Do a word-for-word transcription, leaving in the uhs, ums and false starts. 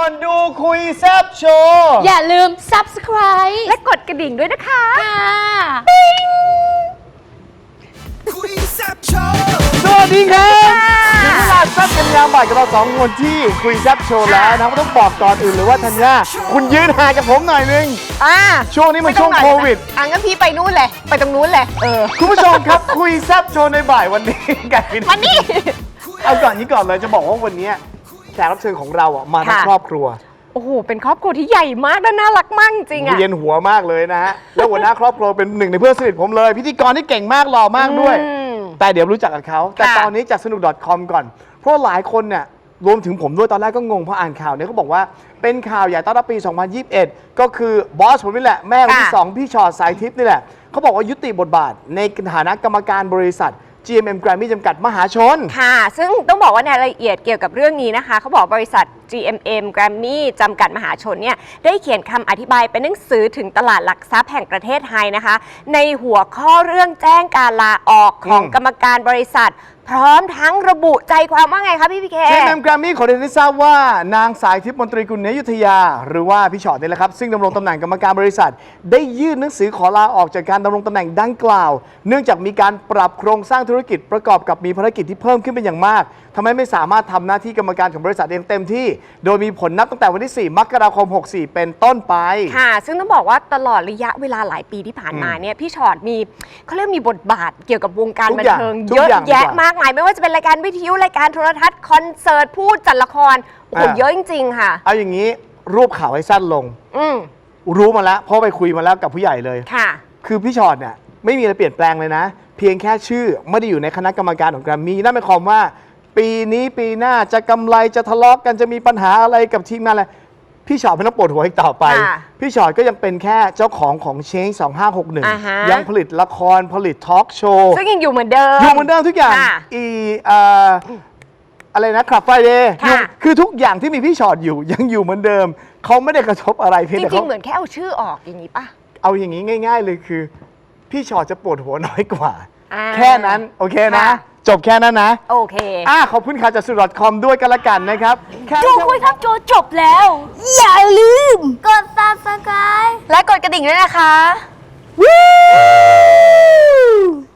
อนดูคุยแซบโชว์อย่าลืม ซับสไครบ์และกดกระดิ่งด้วยนะคะค่ะคุยแซบโชว์สวัสดีครับถึงเวลาแซบกันยามบ่ายกับเราสองคนที่คุยแซบโชว์แล้วนะก็ต้องบอกก่อนอื่นเลยว่าธัญญาคุณยืนห่างกับผมหน่อยนึงอ่าช่วงนี้มันช่วงโควิดอ่ะงั้นพี่ไปนู่นเลยไปตรงนู้นเลยเออคุณผู้ชมครับคุยแซบโชว์ในบ่ายวันนี้กันเป็นวันนี้เอาก่อนนี้ก่อนเลยจะบอกว่าวันนี้แขกรับเชิญของเราอ่ะมาทั้งครอบครัวโอ้โหเป็นครอบครัวที่ใหญ่มากและน่ารักมากจริงอ่ะเย็นหัวมากเลยนะฮะแล้วหัวหน้าครอบครัวเป็นหนึ่งในเพื่อนสนิทผมเลยพิธีกรที่เก่งมากหล่อมากด้วยแต่เดี๋ยวรู้จักกับเขาแต่ตอนนี้จากสนุก .com ก่อนเพราะหลายคนเนี่ยรวมถึงผมด้วยตอนแรกก็งงเพราะอ่านข่าวเนี่ยเขาบอกว่าเป็นข่าวใหญ่ต้อนรับปีสองพันยี่สิบเอ็ดก็คือบอสผมนี่แหละแม่คนที่สองพี่ชอตสายทิพย์นี่แหละเขาบอกว่ายุติบทบาทในฐานะกรรมการบริษัท จี เอ็ม เอ็ม Grammy จำกัดมหาชนค่ะซึ่งต้องบอกว่าในรายละเอียดเกี่ยวกับเรื่องนี้นะคะเขาบอกบริษัท จี เอ็ม เอ็ม Grammy จำกัดมหาชนเนี่ยได้เขียนคำอธิบายเป็นหนังสือถึงตลาดหลักทรัพย์แห่งประเทศไทยนะคะในหัวข้อเรื่องแจ้งการลาออกของกรรมการบริษัทพร้อมทั้งระบุใจความว่าไงคะพี่พีเคจี เอ็ม เอ็ม Grammy ขอเรียนให้ทราบว่านางสายทิพย์มนตรีกุลเนยุทธยาหรือว่าพี่ชอตนี่แหละครับซึ่งดำรงตำแหน่งกรรมการบริษัทได้ยื่นหนังสือขอลาออกจากการดำรงตำแหน่งดังกล่าวเนื่องจากมีการปรับโครงสร้างธุรกิจประกอบกับมีภารกิจที่เพิ่มขึ้นเป็นอย่างมากทำให้ไม่สามารถทำหน้าที่กรรมการของบริษัทเองเต็มที่โดยมีผลนับตั้งแต่วันที่สี่มกราคมหกสี่เป็นต้นไปค่ะซึ่งต้องบอกว่าตลอดระยะเวลาหลายปีที่ผ่านมาเนี่ยพี่ชอตมีเขาเรียกมีบทบาทเกี่ยวกับวงการบันเทิงเยอะแยะมากมายไม่ว่าจะเป็นรายการวิทยุรายการโทรทัศน์คอนเสิร์ตพูดจัดละครโอ้โหเยอะจริงๆค่ะเอาอย่างนี้รวบข่าวให้สั้นลงอืมรู้มาแล้วเพราะไปคุยมาแล้วกับผู้ใหญ่เลยค่ะคือพี่ชอตเนี่ยไม่มีอะไรเปลี่ยนแปลงเลยนะเพียงแค่ชื่อไม่ได้อยู่ในคณะกรรมการของแกรมมี่นั่นหมายความว่าปีนี้ปีหน้าจะกำไรจะทะเลาะกันจะมีปัญหาอะไรกับทีมงานอะไรพี่ชอตไม่ต้องปวดหัวอีกต่อไปพี่ชอตก็ยังเป็นแค่เจ้าของของเชงสองห้าหกหนึ่งยังผลิตละครผลิตทอล์กโชว์ซึ่งยังอยู่เหมือนเดิมอยู่เหมือนเดิมทุกอย่างอีอะไรนะคลับไฟเดย์คือทุกอย่างที่มีพี่ชอตอยู่ยังอยู่เหมือนเดิมเขาไม่ได้กระทบอะไรเพียงแต่จริงๆเหมือนแค่เอาชื่อออกอย่างนี้ป่ะเอาอย่างนี้ง่ายๆเลยคือพี่ชอตจะปวดหัวน้อยกว่าแค่นั้นโอเคนะจบแค่นั้นนะโอเคอ่าขอบคุณข่าวจากสุด .com ด้วยกันละกันนะครับดูคุยครับโจจบแล้วอย่าลืมกด ซับสไครบ์และกดกระดิ่งด้วยนะคะ